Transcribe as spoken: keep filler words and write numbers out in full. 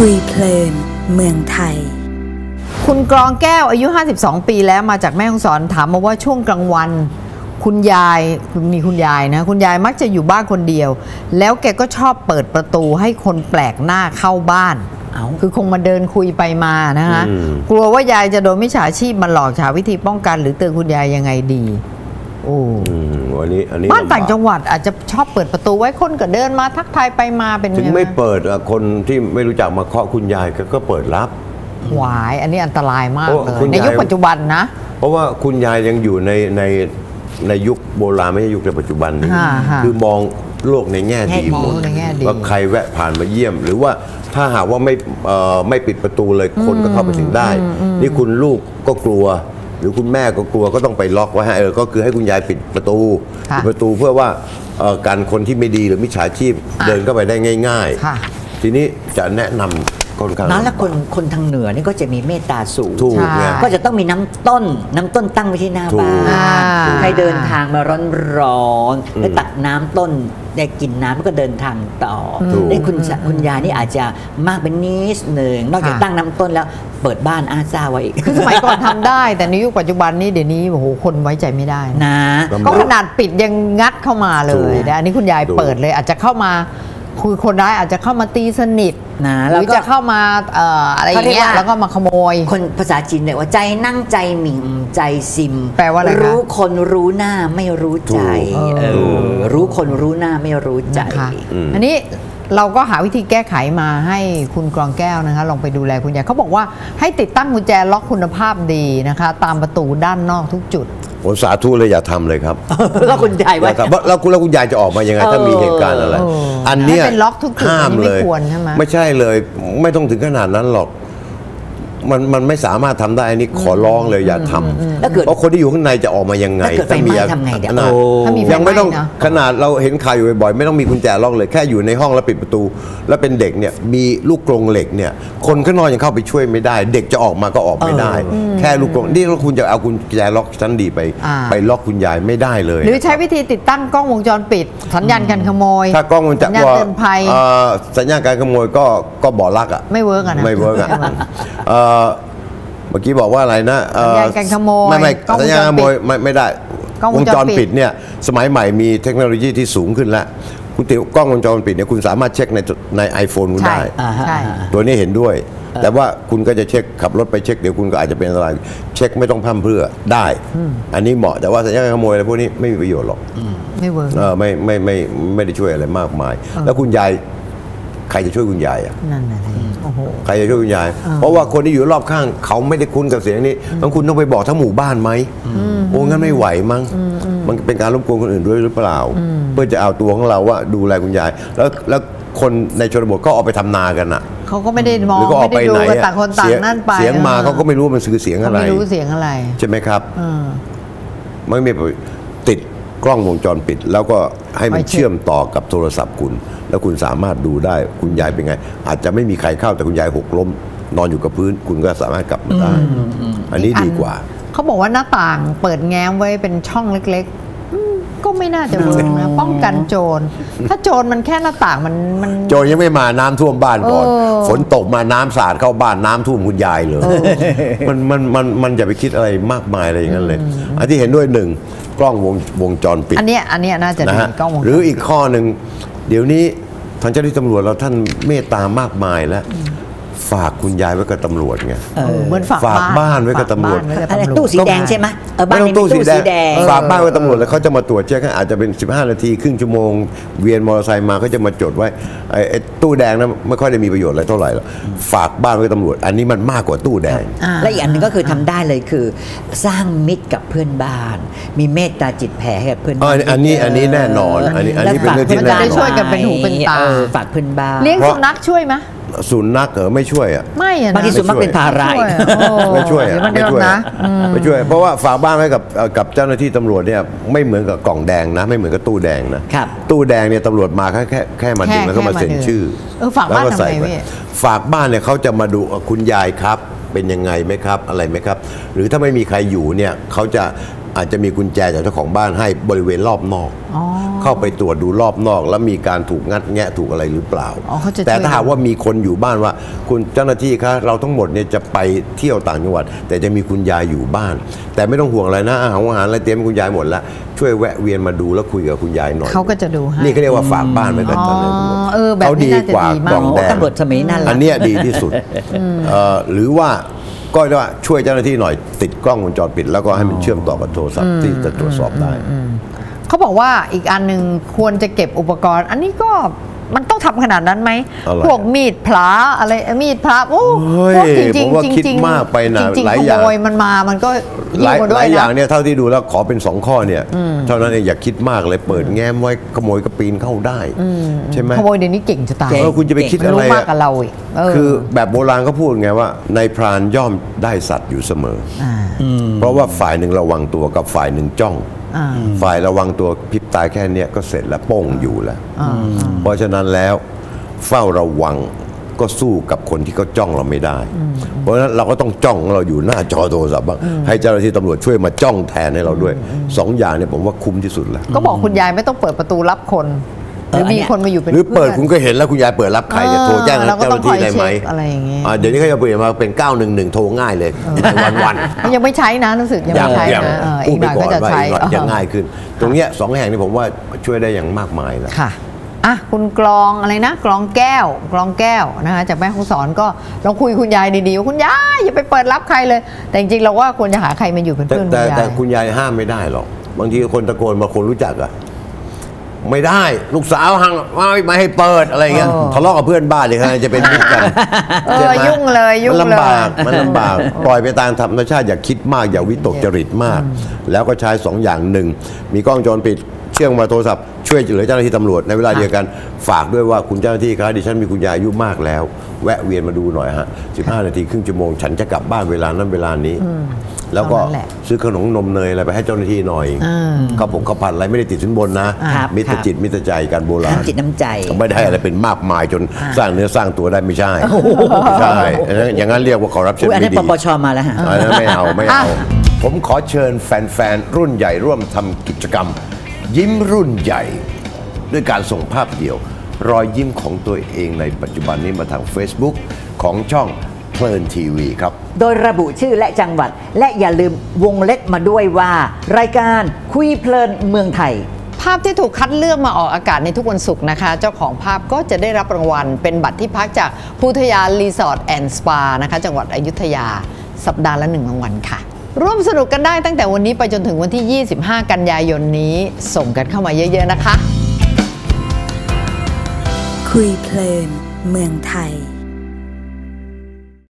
คุยเพลินเมืองไทยคุณกรองแก้วอายุห้าสิบสองปีแล้วมาจากแม่ฮ่องสอนถามมาว่าช่วงกลางวันคุณยายมีคุณยายนะคุณยายมักจะอยู่บ้านคนเดียวแล้วแกก็ชอบเปิดประตูให้คนแปลกหน้าเข้าบ้านคือคงมาเดินคุยไปมานะคะกลัวว่ายายจะโดนมิจฉาชีพมาหลอกหาวิธีป้องกันหรือเตือนคุณยายยังไงดีโอ้วันนี้อันนี้บ้านต่างจังหวัดอาจจะชอบเปิดประตูไว้คนก็เดินมาทักทายไปมาเป็นถึงไม่เปิดคนที่ไม่รู้จักมาเคาะคุณยายก็เปิดรับหวายอันนี้อันตรายมากเลยในยุคปัจจุบันนะเพราะว่าคุณยายยังอยู่ในในในยุคโบราณไม่ใช่ยุคในปัจจุบันนี้คือมองโลกในแง่ดีหมดว่าใครแวะผ่านมาเยี่ยมหรือว่าถ้าหากว่าไม่ไม่ปิดประตูเลยคนก็เข้าไปถึงได้นี่คุณลูกก็กลัวหรือคุณแม่ก็กลัวก็ต้องไปล็อกไว้ให้เออก็คือให้คุณยายปิดประตูปิดประตูเพื่อว่าการคนที่ไม่ดีหรือมิจฉาชีพเดินเข้าไปได้ง่ายๆทีนี้จะแนะนำนั้นแล้วคนคนทางเหนือนี่ก็จะมีเมตตาสูงก็จะต้องมีน้ำต้นน้ำต้นตั้งไว้ที่หน้าบ้านใครเดินทางมาร้อนๆแล้วตักน้ำต้นได้กินน้ำก็เดินทางต่อได้คุณคุณยายนี่อาจจะมากเป็นนิดหนึ่งนอกจากตั้งน้ำต้นแล้วเปิดบ้านอาซาไว้อีกคือสมัยก่อนทำได้แต่ในยุคปัจจุบันนี้เดี๋ยวนี้โอ้โหคนไว้ใจไม่ได้นะก็ขนาดปิดยังงัดเข้ามาเลยนะอันนี้คุณยายเปิดเลยอาจจะเข้ามาคือคนร้ายอาจจะเข้ามาตีสนิทนะหรือจะเข้ามาอะไรอย่างเงี้ยแล้วก็มาขโมยคนภาษาจีนเนี่ยว่าใจนั่งใจหมิ่งใจซิมแปลว่าอะไรรู้คนรู้หน้าไม่รู้ใจรู้คนรู้หน้าไม่รู้ใจอันนี้เราก็หาวิธีแก้ไขมาให้คุณกรองแก้วนะคะลองไปดูแลคุณยายเขาบอกว่าให้ติดตั้งกุญแจล็อกคุณภาพดีนะคะตามประตูด้านนอกทุกจุดผมสาธุเลยอย่าทำเลยครับแล้วคุณยายว่าแล้วคุณแล้วคุณยายจะออกมายังไงถ้ามีเหตุการณ์อะไรอันนี้ห้ามเลยไม่ใช่เลยไม่ต้องถึงขนาดนั้นหรอกมันมันไม่สามารถทำได้อันนี้ขอร้องเลยอย่าทำเพราะคนที่อยู่ข้างในจะออกมายังไงถ้ามีทำไงเดี๋ยวยังไม่ต้องขนาดเราเห็นข่าวอยู่บ่อยๆไม่ต้องมีกุญแจล็อกเลยแค่อยู่ในห้องแล้วปิดประตูแล้วเป็นเด็กเนี่ยมีลูกกรงเหล็กเนี่ยคนข้างนอกยังเข้าไปช่วยไม่ได้เด็กจะออกมาก็ออกไม่ได้แค่ลูกกรงนี่แล้วคุณจะเอากุญแจล็อกชั้นดีไปไปล็อกคุณยายไม่ได้เลยหรือใช้วิธีติดตั้งกล้องวงจรปิดสัญญาณการขโมยถ้ากล้องวงจรปิดเตือนภัยสัญญาณการขโมยก็ก็บ่อลักอ่ะไม่เวิร์กอ่ะไม่เวิร์กอ่ะเมื่อกี้บอกว่าอะไรนะสัญญาณการขโมยไม่ไม่สัญญาณขโมยไม่ไม่ได้วงจรปิดเนี่ยสมัยใหม่มีเทคโนโลยีที่สูงขึ้นแล้วคุณติวกล้องวงจรปิดเนี่ยคุณสามารถเช็คในใน ไอโฟน คุณได้ตัวนี้เห็นด้วยแต่ว่าคุณก็จะเช็คขับรถไปเช็คเดี๋ยวคุณก็อาจจะเป็นอะไรเช็คไม่ต้องพร่ำเพรื่อได้อันนี้เหมาะแต่ว่าสัญญาณขโมยอะไรพวกนี้ไม่มีประโยชน์หรอกไม่เวิร์กเออไม่ไม่ไม่ไม่ได้ช่วยอะไรมากมายแล้วคุณยายใครจะช่วยคุณยายอ่ะนั่นแหละใครจะช่วยคุณยายเพราะว่าคนที่อยู่รอบข้างเขาไม่ได้คุ้นกับเสียงนี้บางคุณต้องไปบอกทั้งหมู่บ้านไหมโอ้งั้นไม่ไหวมั้งมันเป็นการรบกวนคนอื่นด้วยหรือเปล่าเพื่อจะเอาตัวของเราว่าดูแลคุณยายแล้วแล้วคนในชนบทก็ออกไปทำนากันอ่ะเขาก็ไม่ได้มองไม่ได้ดูกันต่างคนต่างนั่นไปเสียงมาเขาก็ไม่รู้มันคือเสียงอะไรไม่รู้เสียงอะไรใช่ไหมครับไม่มีติดกล้องวงจรปิดแล้วก็ให้มันเชื่อมต่อกับโทรศัพท์คุณแล้วคุณสามารถดูได้คุณยายเป็นไงอาจจะไม่มีใครเข้าแต่คุณยายหกล้มนอนอยู่กับพื้นคุณก็สามารถกลับมาได้อันนี้ดีกว่าเขาบอกว่าหน้าต่างเปิดแง้มไว้เป็นช่องเล็กๆก็ไม่น่าจะเวิร์กนะป้องกันโจรถ้าโจรมันแค่หน้าต่างมันมันโจรยังไม่มาน้ำท่วมบ้านก่อนฝนตกมาน้ำสาดเข้าบ้านน้ำท่วมคุณยายเลยมันมันมันมันอย่าไปคิดอะไรมากมายอะไรอย่างนั้นเลยอันที่เห็นด้วยหนึ่งกล้องวงวงจรปิดอันนี้อันนี้น่าจะดีกล้องวงจรหรืออีกข้อหนึ่งเดี๋ยวนี้ทางเจ้าหน้าที่ตำรวจเราท่านเมตตามากมายแล้วฝากคุณยายไว้กับตำรวจไงเหมือนฝากบ้านไว้กับตำรวจตู้สีแดงใช่ไหมบ้านนี้ตู้สีแดงฝากบ้านไว้ตำรวจแล้วเขาจะมาตรวจเช็คอาจจะเป็นสิบห้านาทีครึ่งชั่วโมงเวียนมอเตอร์ไซค์มาเขาจะมาจดไว้ไอ้ตู้แดงนั้นไม่ค่อยได้มีประโยชน์อะไรเท่าไหร่หรอกฝากบ้านไว้กับตำรวจอันนี้มันมากกว่าตู้แดงและอีกอันนึงก็คือทำได้เลยคือสร้างมิตรกับเพื่อนบ้านมีเมตตาจิตแผ่ให้กับเพื่อนบ้านอันนี้อันนี้แน่นอนอันนี้อันนี้เป็นเรื่องที่แน่นอนช่วยกันเป็นหูเป็นตาฝากเพื่อนบ้านเลี้ยงสุนัขช่วยไหมสุนัขเหรอไม่ช่วยอ่ะไม่อะบางทีสุนัขเป็นภาระไม่ช่วยอ่ะไม่ช่วยนะไม่ช่วยเพราะว่าฝากบ้านไว้กับกับเจ้าหน้าที่ตำรวจเนี่ยไม่เหมือนกับกล่องแดงนะไม่เหมือนกับตู้แดงนะตู้แดงเนี่ยตำรวจมาแค่แค่แค่มาดึงแล้วก็มาเซ็นชื่อแล้วก็ใส่ไปฝากบ้านเนี่ยเขาจะมาดูคุณยายครับเป็นยังไงไหมครับอะไรไหมครับหรือถ้าไม่มีใครอยู่เนี่ยเขาจะอาจจะมีกุญแจจากเจ้าของบ้านให้บริเวณรอบนอกเข้าไปตรวจดูรอบนอกแล้วมีการถูกงัดแงะถูกอะไรหรือเปล่าแต่ถ้าหากว่ามีคนอยู่บ้านว่าคุณเจ้าหน้าที่คะเราทั้งหมดเนี่ยจะไปเที่ยวต่างจังหวัดแต่จะมีคุณยายอยู่บ้านแต่ไม่ต้องห่วงอะไรนะอาหารอาหารอะไรเตรียมให้คุณยายหมดแล้วช่วยแวะเวียนมาดูแล้วคุยกับคุณยายหน่อยเขาก็จะดูให้นี่เขาเรียกว่าฝากบ้านไว้กับเจ้าหน้าที่เขาดีกว่ากล่องแดงตำรวจสมัยนั้นอันนี้ดีที่สุดหรือว่าก็ว่าช่วยเจ้าหน้าที่หน่อยติดกล้องวงจรปิดแล้วก็ให้มันเชื่อมต่อกับโทรศัพท์ที่จะตรวจสอบได้เขาบอกว่าอีกอันหนึ่งควรจะเก็บอุปกรณ์อันนี้ก็มันต้องทำขนาดนั้นไหมพวกมีดพลาอะไรมีดพลาโอ้พวกจริงจริงจริงจริงมากไปนะหลายอย่างมันมามันก็หลายหลายอย่างเนี่ยเท่าที่ดูแล้วขอเป็นสองข้อเนี่ยเท่านั้นเองอย่าคิดมากเลยเปิดแง้มไว้ขโมยก็ปีนเข้าได้ใช่ไหมขโมยเดี๋ยวนี้เก่งจะตายคุณจะไปคิดอะไรมากกับเราอีกคือแบบโบราณเขาพูดไงว่าในพรานย่อมได้สัตว์อยู่เสมอเพราะว่าฝ่ายหนึ่งระวังตัวกับฝ่ายหนึ่งจ้องฝ่ายระวังตัวพริบตาแค่นี้ก็เสร็จแล้วโป้งอยู่แล้วเพราะฉะนั้นแล้วเฝ้าระวังก็สู้กับคนที่เขาจ้องเราไม่ได้เพราะฉะนั้นเราก็ต้องจ้องเราอยู่หน้าจอโทรศัพท์บ้างให้เจ้าหน้าที่ตำรวจช่วยมาจ้องแทนให้เราด้วยสองอย่างเนี่ยผมว่าคุ้มที่สุดแล้วก็บอกคุณยายไม่ต้องเปิดประตูรับคนหรือมีคนมาอยู่เป็นหรือเปิดคุณก็เห็นแล้วคุณยายเปิดรับใครจะโทรแจ้งเจ้าหน้าที่ได้ไหมอะไรอย่างเงี้ยเดี๋ยวนี้เขาจะเปลี่ยนมาเป็นเก้าหนึ่งหนึ่งโทรง่ายเลยวันวันยังไม่ใช้นะรู้สึกยังไม่ใช้นะอีกหน่อยก็จะใช้ยังง่ายขึ้นตรงเนี้ยสองแห่งนี้ผมว่าช่วยได้อย่างมากมายแล้วค่ะอ่ะคุณกลองอะไรนะกลองแก้วกลองแก้วนะคะจากแม่ฮ่องสอนก็ลองคุยคุณยายดีๆว่าคุณยายอย่าไปเปิดรับใครเลยแต่จริงๆเราว่าควรจะหาใครมาอยู่เป็นเพื่อนคุณยายแต่คุณยายห้ามไม่ได้หรอกบางทีคนตะโกนมาคนรู้จักอะไม่ได้ลูกสาวหังไม่ให้เปิดอะไรเงี้ยทะเลาะกับเพื่อนบ้านเลยครับจะเป็นมิตรกันยุ่งเลยยุ่งเลยมันลำบากมันลำบากปล่อยไปตามธรรมชาติอย่าคิดมากอย่าวิตกจริตมากแล้วก็ใช้สองอย่างหนึ่งมีกล้องวงจรปิดเชื่อมมาโทรศัพท์ช่วยเหลือเจ้าหน้าที่ตำรวจในเวลาเดียวกันฝากด้วยว่าคุณเจ้าหน้าที่ครับดิฉันมีคุณยายอายุมากแล้วแวะเวียนมาดูหน่อยฮะสิบห้านาทีครึ่งชั่วโมงฉันจะกลับบ้านเวลานั้นเวลานี้แล้วก็ซื้อขนมนมเนยอะไรไปให้เจ้าหน้าที่หน่อยข้าวผงข้าวผัดอะไรไม่ได้ติดสินบนนะมิตรจิตมิตรใจกันโบราณจิตน้ำใจไม่ได้อะไรเป็นมากมายจนสร้างเนื้อสร้างตัวได้ไม่ใช่ใช่อย่างนั้นเรียกว่าคอร์รัปชันไม่ดีอันนี้ปปชมาแล้วฮะไม่เอาไม่เอาผมขอเชิญแฟนๆรุ่นใหญ่ร่วมทำกิจกรรมยิ้มรุ่นใหญ่ด้วยการส่งภาพเดี่ยวรอยยิ้มของตัวเองในปัจจุบันนี้มาทาง Facebook ของช่องเพลินทีวีครับโดยระบุชื่อและจังหวัดและอย่าลืมวงเล็บมาด้วยว่ารายการคุยเพลินเมืองไทยภาพที่ถูกคัดเลือกมาออกอากาศในทุกวันศุกร์นะคะเจ้าของภาพก็จะได้รับรางวัลเป็นบัตรที่พักจากพุทยารีสอร์ทแอนด์สปานะคะจังหวัดอยุธยาสัปดาห์ละหนึ่งรางวัลค่ะร่วมสนุกกันได้ตั้งแต่วันนี้ไปจนถึงวันที่ยี่สิบห้ากันยายนนี้ส่งกันเข้ามาเยอะๆนะคะคุยเพลินเมืองไทย